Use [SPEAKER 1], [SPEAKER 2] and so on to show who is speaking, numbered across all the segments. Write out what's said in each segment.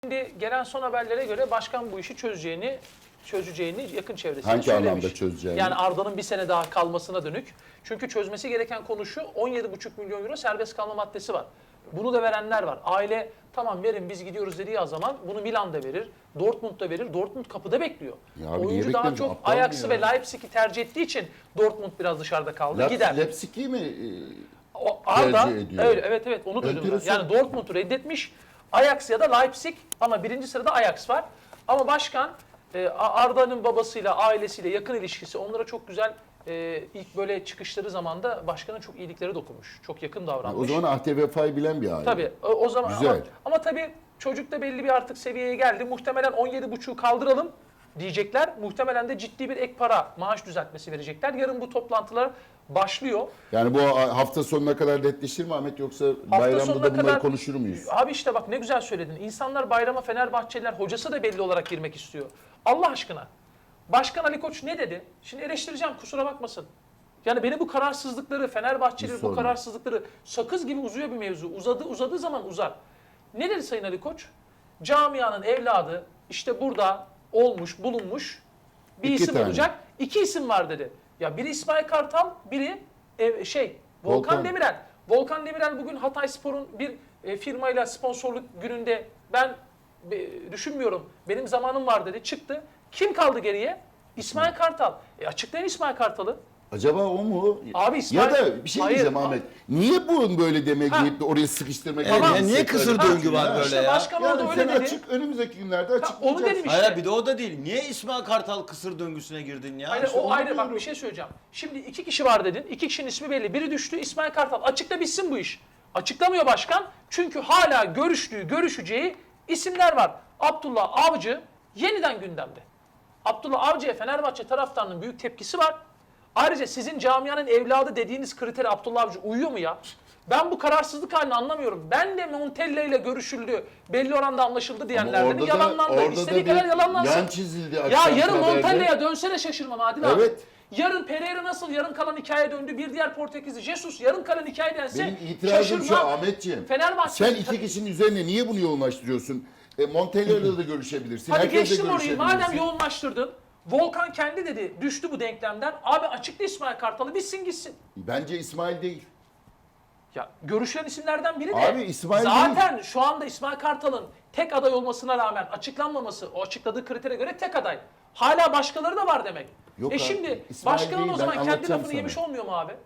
[SPEAKER 1] Şimdi gelen son haberlere göre başkan bu işi çözeceğini yakın çevresinde
[SPEAKER 2] Hangi
[SPEAKER 1] söylemiş.
[SPEAKER 2] anlamda çözeceğini?
[SPEAKER 1] Yani Arda'nın bir sene daha kalmasına dönük. Çünkü çözmesi gereken konu şu, 17,5 milyon euro serbest kalma maddesi var. Bunu da verenler var. Aile tamam verin biz gidiyoruz dediği zaman bunu Milan'da verir, Dortmund'da verir. Dortmund kapıda bekliyor.
[SPEAKER 2] Ya abi niye
[SPEAKER 1] Oyuncu daha
[SPEAKER 2] beklemiyor?
[SPEAKER 1] çok
[SPEAKER 2] Aptal mı
[SPEAKER 1] Ajax'ı
[SPEAKER 2] ya?
[SPEAKER 1] ve Leipzig'i tercih ettiği için Dortmund biraz dışarıda kaldı. Gider.
[SPEAKER 2] Leipzig'i mi
[SPEAKER 1] O Arda,
[SPEAKER 2] tercih ediyor?
[SPEAKER 1] öyle, evet onu duydum ben.
[SPEAKER 2] Enteresan.
[SPEAKER 1] Yani Dortmund'u reddetmiş. Ajax ya da Leipzig ama birinci sırada Ajax var. Ama başkan Arda'nın babasıyla, ailesiyle yakın ilişkisi onlara çok güzel ilk böyle çıkışları zamanda başkanın çok iyilikleri dokunmuş. Çok yakın davranmış.
[SPEAKER 2] O zaman Ahde Vefa'yı bilen bir aile.
[SPEAKER 1] Tabii o zaman
[SPEAKER 2] Güzel.
[SPEAKER 1] ama tabii çocuk da belli bir artık seviyeye geldi. Muhtemelen 17,5'u kaldıralım diyecekler. Muhtemelen de ciddi bir ek para, maaş düzeltmesi verecekler. Yarın bu toplantılar başlıyor.
[SPEAKER 2] Yani bu hafta sonuna kadar netleşir mi Ahmet, yoksa bayramda
[SPEAKER 1] sonuna
[SPEAKER 2] da bunları
[SPEAKER 1] kadar-
[SPEAKER 2] konuşur muyuz?
[SPEAKER 1] Abi işte bak ne güzel söyledin. İnsanlar bayrama Fenerbahçeliler, hocası da belli olarak girmek istiyor. Allah aşkına. Başkan Ali Koç ne dedi? Şimdi eleştireceğim, kusura bakmasın. Yani beni bu kararsızlıkları, Fenerbahçeliler
[SPEAKER 2] Hiç
[SPEAKER 1] bu
[SPEAKER 2] sorma.
[SPEAKER 1] kararsızlıkları sakız gibi uzuyor bir mevzu. Uzadığı zaman uzar. Ne dedi Sayın Ali Koç? Camianın evladı işte burada olmuş, bulunmuş bir
[SPEAKER 2] İki
[SPEAKER 1] isim
[SPEAKER 2] tane.
[SPEAKER 1] olacak. İki isim var dedi. Ya biri İsmail Kartal, biri Volkan
[SPEAKER 2] Volkan.
[SPEAKER 1] Demirel. Volkan Demirel bugün Hatayspor'un bir firmayla sponsorluk gününde ben düşünmüyorum, benim zamanım var dedi, çıktı. Kim kaldı geriye? İsmail Kartal. Açıklayın İsmail Kartal'ı.
[SPEAKER 2] Acaba o mu?
[SPEAKER 1] Abi İsmail...
[SPEAKER 2] Ya da bir şey
[SPEAKER 1] Hayır,
[SPEAKER 2] diyeceğim Ahmet. Niye bu böyle demek
[SPEAKER 1] Ha.
[SPEAKER 2] deyip de oraya sıkıştırmak?
[SPEAKER 1] Tamam.
[SPEAKER 2] Tamam.
[SPEAKER 1] Ya
[SPEAKER 3] niye kısır döngü var böyle
[SPEAKER 1] İşte
[SPEAKER 3] ya?
[SPEAKER 1] başkan
[SPEAKER 2] Yani
[SPEAKER 1] orada
[SPEAKER 2] sen
[SPEAKER 1] öyle dedi.
[SPEAKER 2] açık, önümüzdeki günlerde
[SPEAKER 1] onu
[SPEAKER 2] açıklayacağız.
[SPEAKER 1] dedim işte.
[SPEAKER 3] Hayır bir de o da değil. Niye İsmail Kartal kısır döngüsüne girdin ya?
[SPEAKER 1] Hayır,
[SPEAKER 2] İşte
[SPEAKER 1] o
[SPEAKER 2] onu
[SPEAKER 1] ayrı. Bak
[SPEAKER 2] diyorum.
[SPEAKER 1] bir şey söyleyeceğim. Şimdi iki kişi var dedin. İki kişinin ismi belli. Biri düştü, İsmail Kartal. Açıkla bitsin bu iş. Açıklamıyor başkan. Çünkü hala görüşeceği isimler var. Abdullah Avcı yeniden gündemde. Abdullah Avcı'ya Fenerbahçe taraftarının büyük tepkisi var. Ayrıca sizin camianın evladı dediğiniz kritere Abdullah Avcı uyuyor mu ya? Ben bu kararsızlık halini anlamıyorum. Ben de Montella ile görüşüldü, belli oranda anlaşıldı diyenlerden yalanlandı. İstediği kadar yalanlansın.
[SPEAKER 2] yan çizildi.
[SPEAKER 1] Ya
[SPEAKER 2] akşamki
[SPEAKER 1] yarın
[SPEAKER 2] haberde.
[SPEAKER 1] Montella'ya dönsene şaşırmam Adil abi.
[SPEAKER 2] Evet.
[SPEAKER 1] Yarın Pereira nasıl yarın kalan hikaye döndü, bir diğer Portekizli Jesus yarın kalan hikaye dense
[SPEAKER 2] Benim itirazım şu
[SPEAKER 1] şaşırmam.
[SPEAKER 2] Ahmetciğim.
[SPEAKER 1] Fenerbahçe...
[SPEAKER 2] Sen iki kişinin üzerine niye bunu yoğunlaştırıyorsun? Montella'yla da görüşebilirsin.
[SPEAKER 1] Hadi
[SPEAKER 2] herkesle
[SPEAKER 1] geçtim orayı, madem
[SPEAKER 2] görüşebilirsin.
[SPEAKER 1] yoğunlaştırdın. Volkan kendi dedi, düştü bu denklemden. Abi açıkla İsmail Kartal'ı, bitsin gitsin.
[SPEAKER 2] Bence İsmail değil.
[SPEAKER 1] Ya görüşülen isimlerden biri de
[SPEAKER 2] Abi İsmail
[SPEAKER 1] zaten şu anda İsmail Kartal'ın tek aday olmasına rağmen açıklanmaması, o açıkladığı kritere göre tek aday. Hala başkaları da var demek.
[SPEAKER 2] Yok abi,
[SPEAKER 1] Şimdi
[SPEAKER 2] İsmail
[SPEAKER 1] başkanın
[SPEAKER 2] değil,
[SPEAKER 1] o
[SPEAKER 2] ben
[SPEAKER 1] zaman kendi
[SPEAKER 2] anlatacağım
[SPEAKER 1] lafını yemiş
[SPEAKER 2] sana.
[SPEAKER 1] olmuyor mu abi?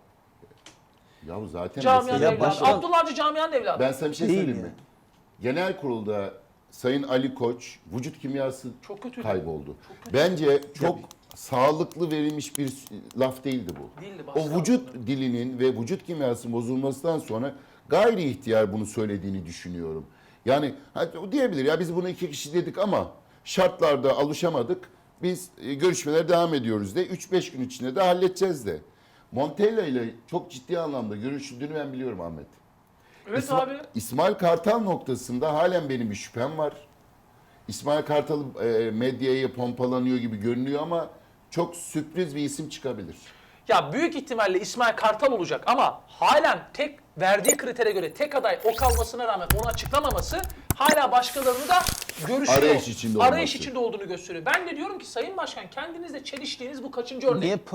[SPEAKER 2] Ya zaten
[SPEAKER 1] Camianın
[SPEAKER 2] mesele-
[SPEAKER 3] Ya
[SPEAKER 1] evladı.
[SPEAKER 3] başkan-
[SPEAKER 1] Abdullah Avcı camianın evladı.
[SPEAKER 2] Ben sana bir şey
[SPEAKER 3] Değil
[SPEAKER 2] söyleyeyim
[SPEAKER 3] ya.
[SPEAKER 2] mi? Genel kurulda Sayın Ali Koç vücut kimyası
[SPEAKER 1] Çok kötüydü.
[SPEAKER 2] kayboldu.
[SPEAKER 1] Çok kötü.
[SPEAKER 2] Bence çok sağlıklı verilmiş bir laf değildi bu.
[SPEAKER 1] Değildi,
[SPEAKER 2] O
[SPEAKER 1] başka
[SPEAKER 2] vücut
[SPEAKER 1] aslında.
[SPEAKER 2] dilinin ve vücut kimyası bozulmasından sonra gayri ihtiyar bunu söylediğini düşünüyorum. Yani o diyebilir ya biz bunu iki kişi dedik ama şartlarda alışamadık. Biz görüşmelere devam ediyoruz de 3-5 gün içinde de halledeceğiz de. Montella ile çok ciddi anlamda görüşüldüğünü ben biliyorum Ahmet.
[SPEAKER 1] Evet abi.
[SPEAKER 2] İsmail Kartal noktasında halen benim bir şüphem var. İsmail Kartal medyaya pompalanıyor gibi görünüyor ama çok sürpriz bir isim çıkabilir.
[SPEAKER 1] Ya büyük ihtimalle İsmail Kartal olacak ama halen tek verdiği kritere göre tek aday o kalmasına rağmen onu açıklamaması hala başkalarını da görüşüyor.
[SPEAKER 2] Arayış içinde olması.
[SPEAKER 1] Arayış içinde olduğunu gösteriyor. Ben de diyorum ki Sayın Başkan kendinizle çeliştiğiniz bu kaçıncı örnek?
[SPEAKER 3] Niye